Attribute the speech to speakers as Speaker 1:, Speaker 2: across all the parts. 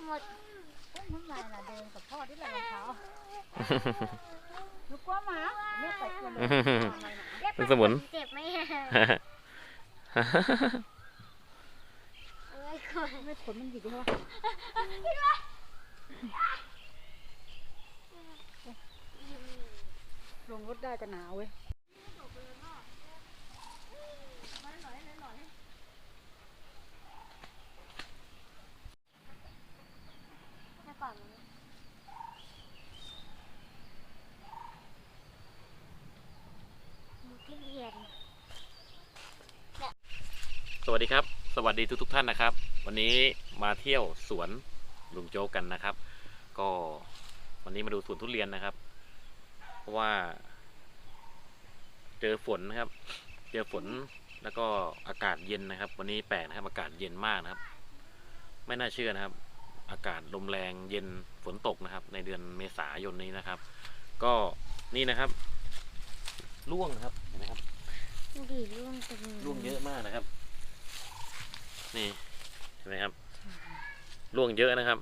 Speaker 1: หมดน้ำลายน่ะเดินกับพ่อที่ไหนเขาหนูกลัวหมาแม่ไปกลัวเลย
Speaker 2: เป็นสมุน
Speaker 1: เจ็บไหมไม่ขนมันหยิกเลยลงรถได้แต่หนาวเว้ย
Speaker 2: สวัสดีครับสวัสดีทุกท่านนะครับวันนี้มาเที่ยวสวนลุงโจ๊กกันนะครับก็วันนี้มาดูสวนทุเรียนนะครับเพราะว่าเจอฝนนะครับเจอฝนแล้วก็อากาศเย็นนะครับวันนี้แปลกนะครับอากาศเย็นมากนะครับไม่น่าเชื่อนะครับอากาศลมแรงเย็นฝนตกนะครับในเดือนเมษายนนี้นะครับก็นี่นะครับร่วงนะครับเห็นไหมครับ
Speaker 1: ดีร่วงจัง
Speaker 2: ร่วงเยอะมากนะครับนี่เห็นไหมครับร่วงเยอะนะครับ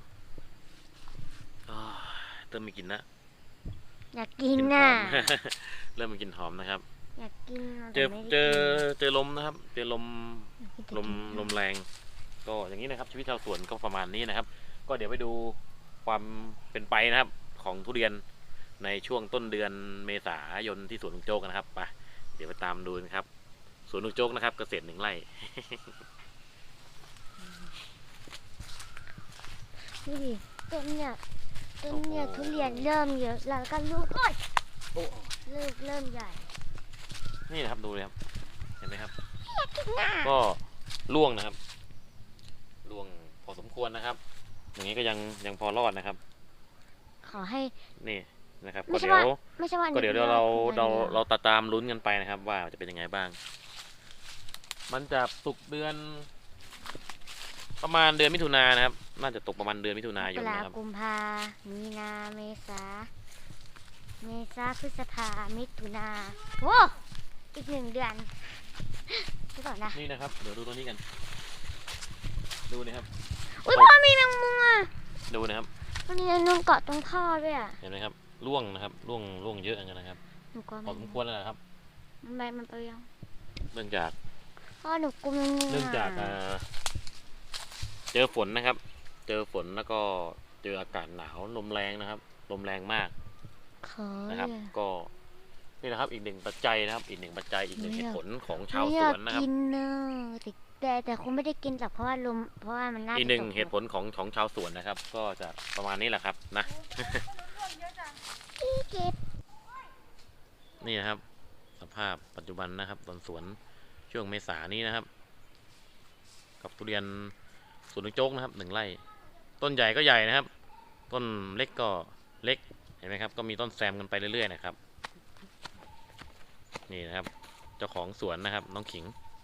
Speaker 2: เริ่มมีกลิ่นนะ
Speaker 1: อยากกินน่ะ
Speaker 2: เริ่มมีกลิ่นหอมนะครับ
Speaker 1: อยากกิน
Speaker 2: เจอลมนะครับเจอลมแรงก็อย่างนี้นะครับชีวิตชาวสวนก็ประมาณนี้นะครับก็เดี๋ยวไปดูความเป็นไปนะครับของทุเรียนในช่วงต้นเดือนเมษายนที่สวนลุงโจ๊กนะครับไปเดี๋ยวไปตามดูนะครับสวนลุงโจ๊กนะครับเกษตร1 ไร่
Speaker 1: นี่ต้นเนี่ยทุเรียนเริ่มเยอะแล้วก็ลูกลูกเริ่มใหญ่
Speaker 2: นี่นะครับดูเลยครับเห็นไหมครับก็ร่วงนะครับร่วงพอสมควรนะครับอย่างนี้ก็ยังพอรอดนะครับ
Speaker 1: ขอให้
Speaker 2: นี่นะครับก็เดี๋ยวเราตามลุ้นกันไปนะครับว่าจะเป็นยังไงบ้างมันจะตกเดือนประมาณเดือนมิถุนายนนะครับน่าจะตกประมาณเดือนมิถุนายนนะครับ
Speaker 1: กุมภามีนาเมษาพฤษภามิถุนาโอ้อีก1 เดือนดูก่อนนะ
Speaker 2: นี่นะครับเดี๋ยวดูตัวนี้กันดูนะครับ
Speaker 1: อุ้ยพ่อมีแมงมุมอ่ะ
Speaker 2: ดูนะครับ
Speaker 1: มันมีนุ่งเกาะตรงท่อด้วยอ่ะ
Speaker 2: เห็นไหมครับร่วงนะครับร่วงเยอะอย่างนั้นนะครับพอสมควรแล้วนะครับ
Speaker 1: มันไปยัง
Speaker 2: เนื่องจาก
Speaker 1: พ่อหนูกลัวแมงมุม
Speaker 2: เนื่องจากเจอฝนนะครับเจอฝนแล้วก็เจออากาศหนาวลมแรงนะครับลมแรงมากนะครับก็นี่นะครับอีก1 ปัจจัยนะครับอีก1 ปัจจัยอีก1 เหตุผลของชาวสวนนะครับ
Speaker 1: แต่คงไม่ได้กินหรอกเพราะว่ามันน่า
Speaker 2: อีก1 เหตุผลของชาวสวนนะครับก็จะประมาณนี้แหละครับนะนี่นะครับสภาพปัจจุบันนะครับต้นสวนช่วงเมษานี้นะครับกับทุเรียนสวนลุงโจ๊กนะครับ1 ไร่ต้นใหญ่ก็ใหญ่นะครับต้นเล็กก็เล็กเห็นไหมครับก็มีต้นแซมกันไปเรื่อยๆนะครับนี่นะครับเจ้าของสวนนะครับน้องขิง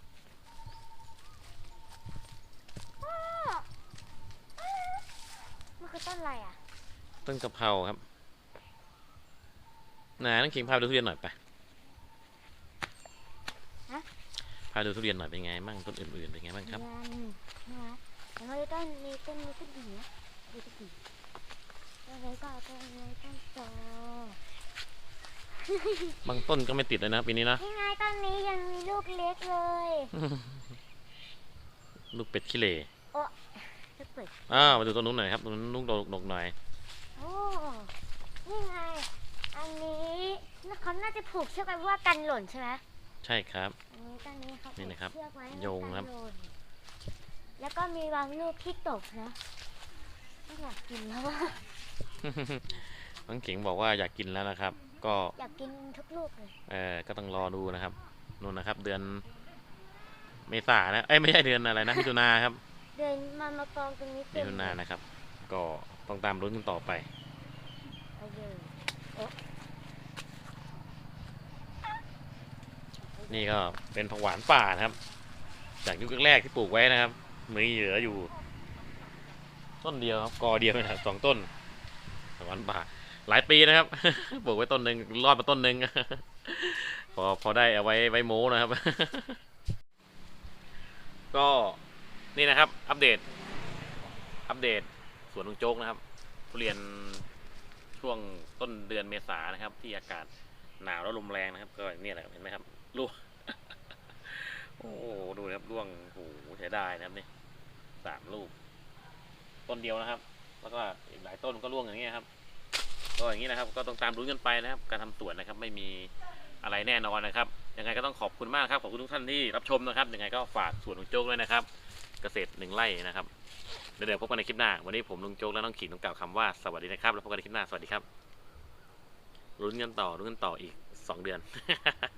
Speaker 1: มันคือต้นอะไรอ่ะ
Speaker 2: ต้นกะเพราครับน้องขิงพาไปดูทุเรียนหน่อยไปพาดูทุเรียนหน่อยเป็นไงบ้างต้นอื่นๆเป็นไงบ้างครับ
Speaker 1: แล้วก็ต้นนี้ก็ดีนะดูดีแล้วก็ต้นโต
Speaker 2: บางต้นก็ไม่ติดเลยนะปีนี้นะ
Speaker 1: นี่ไงต้นนี้ยังมีลูกเล็กเลย
Speaker 2: ลูกเป็ดขี้เหร่
Speaker 1: ลูกเป็ด
Speaker 2: มาดูต้นนู้นหน่อยครับต้นนู้นลูกดกหน่อย
Speaker 1: โอ้นี่ไงอันนี้เขาน่าจะผูกเชือกไว้เพื่อกันหล่นใช่ไหม
Speaker 2: ใช่ครับ
Speaker 1: ต้นนี้เขาผูกเชือกไว้
Speaker 2: โยงครับ
Speaker 1: แล้วก็มีบางลูกที่ตกนะไม่อยากกินแล้วว่า
Speaker 2: น้องขิงบอกว่าอยากกินแล้วนะครับก็
Speaker 1: อยากกินทุกลูกเลย
Speaker 2: ก็ต้องรอดูนะครับนู่นนะครับเดือนเมษานะไม่ใช่เดือนอะไรนะมิถุนาครับ
Speaker 1: เดือนมากองตรงนี้
Speaker 2: มิถุนานะครับก็ต้องตามลุ้นกันต่อไปนี่ก็เป็นผักหวานป่านะครับจากยุคแรกที่ปลูกไว้นะครับมีเหลืออยู่ต้นเดียวครับกอเดียวนะครับ2 ต้นผักหวานป่าหลายปีนะครับปลูกไว้ต้นหนึ่งรอดมาต้นหนึ่งพอได้เอาไว้โม้นะครับก็นี่นะครับอัปเดตสวนลุงโจ๊กนะครับทุเรียนช่วงต้นเดือนเมษายนนะครับ ที่อากาศหนาวแล้วลมแรงนะครับ ก็เนี่ยแหละเห็นไหมครับร่วง โอ้โหดูนะครับร่วงโอ้โหใช้ได้นะครับนี่3 ลูกต้นเดียวนะครับ แล้วก็อีกหลายต้นก็ร่วงอย่างนี้ครับก็อย่างนี้นะครับก็ต้องตามลุ้นกันไปนะครับการทำสวนนะครับไม่มีอะไรแน่นอนนะครับยังไงก็ต้องขอบคุณมากครับขอบคุณทุกท่านที่รับชมนะครับยังไงก็ฝากสวนลุงโจ๊กด้วยนะครับเกษตร1 ไร่นะครับเดี๋ยวพบกันในคลิปหน้าวันนี้ผมลุงโจ๊กและน้องขิงต้องกล่าวคำว่าสวัสดีนะครับแล้วพบกันในคลิปหน้าสวัสดีครับลุ้นกันต่ออีก2 เดือน